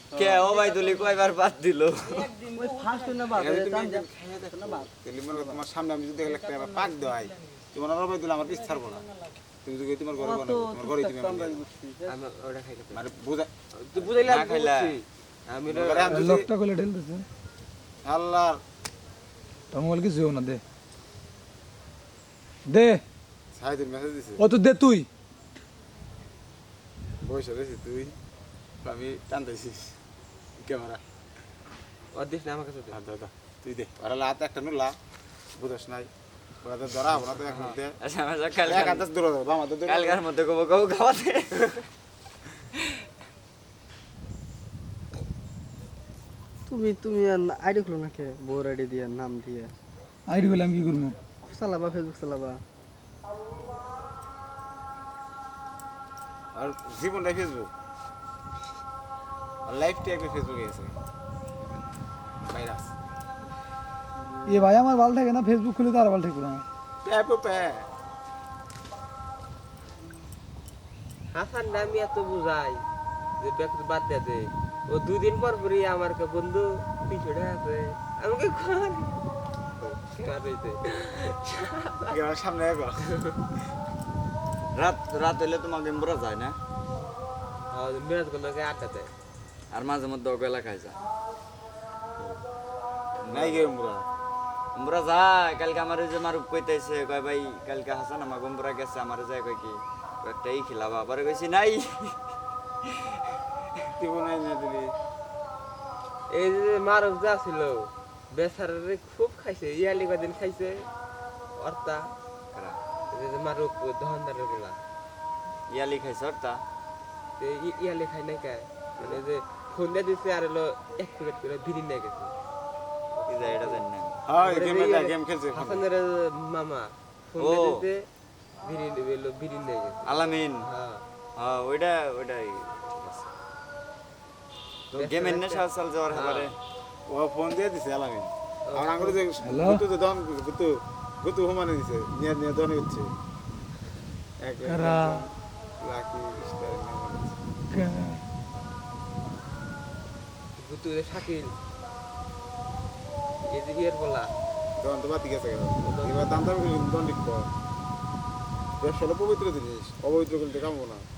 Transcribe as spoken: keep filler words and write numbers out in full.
কে ও ভাই তুলি কয়বার বাদ দিল ওই ফার্স্ট না বাদ এখানে তুমি টান একদিন খাইয়ে দেখো না বাপ তাহলে মনে করো তোমার সামনে আমি যদি একটা আবার পাক দেওয়াই তোমার আর ভাই দিলে আমার পিছ ছাড়বো না তুমি যদি তোমার ঘরে বানাবো তোমার ঘরে তুমি আমরা বানাবো। বুঝছি আমি ওটা খাইতে পারি। মানে বুঝা তুই বুঝাইলে না আমি খাইলা। বুঝছি। আমি ওটা- এবারে আমি যদি লোকটা কইলে ঢেলতেছে আল্লাহ তোর মোবাইল কিছু না দে দে সাইদের মেসেজ দিছে ও তো দে তুই বসে রয়েছি তুই আমি টানতেছিস ক্যামেরা ওর দিস না আমার কাছে দে। হাত দাদা তুই দে ওরা হাতে একটা নুলা বুঝস নাই ওরা তো ধরা হবো না তো এখন দে আচ্ছা আচ্ছা কাল এক হাতে দূরে দাও বাম হাতে দূরে কালকার মধ্যে কব কব খাওয়াতে তুমি তুমি আইডি খুলো না কে বোর আইডি দিয়ে নাম দিয়ে আইডি বলে আমি কি করবো চালাবা ফেসবুক চালাবা আর জীবনটা ফেসবুক আর লাইফটা একটা ফেসবুকে আছে ভাইরাস এ ভাই আমার ভালো থাকে না ফেসবুক খুলে তো আর ভালো থাকবে না প্যাপ প্যাপ হাসান না আমি এত বুঝাই যে ব্যাগ বাদ দে দে ও দুই দিন পর পরই আমার কে বন্ধু পিছড়ে আছে আমাকে খান কার হইতে আমার সামনে এক রাত রাত হইলে তোমার গেমবরা যায় না আর মেরাজ গুলোকে আটকাতে আর মাঝে মধ্যে ওগুলা খাই যায় নাই গে মুরা গেমবরা যায় কালকে আমার ওই যে মারুপ কইতেছে কয় ভাই কালকে হাসান আমার গেমবরা গেছে আমার যায় কয় কি একটাই খিলাবা পরে কইছি নাই তুই নাই না দিলি এই যে মারক যা ছিল বেচারারে খুব খাইছে ইয়ালি কদিন খাইছে অর্তা কারা? এই যে মারক দহনদারের গুলা ইয়ালি খাইছ তা তো ই- ইয়ালি খাই নাই কে মানে যে ফোন দিয়ে দিছে আর হলো এক প্লেট করে বিরিয়ানি নিয়ে গেছে কি যায় এটা জানি না হ্যাঁ পরে গেম যে এটা ইয়ালি- গেম খেলছে হাসানের মামা ফোন ও। দিয়ে দিছে বিরিয়ানি বেলো বিরিয়ানি নিয়ে গেছে আলামিন হ্যাঁ হ্যাঁ ওইটা ওইটাই ঠিক আছে। তো গেম এনে সাল সাল যাওয়ার ব্যাপারে ও ফোন দিয়ে দিছে আলামিন আমার আঙ্গুলে যে Hello? গুতু তো দন গুতু গুতু হুমানে দিছে নিয়ে নিয়ে দন হচ্ছে এক কারা? লাকি স্টার নাম গুতু শাকিল এই যে ইয়ের বলা দন তো বাতি গেছে গেল এবার দাম দাম দন লিখব ব্যবসাটা পবিত্র জিনিস অপবিত্র করতে কামবো না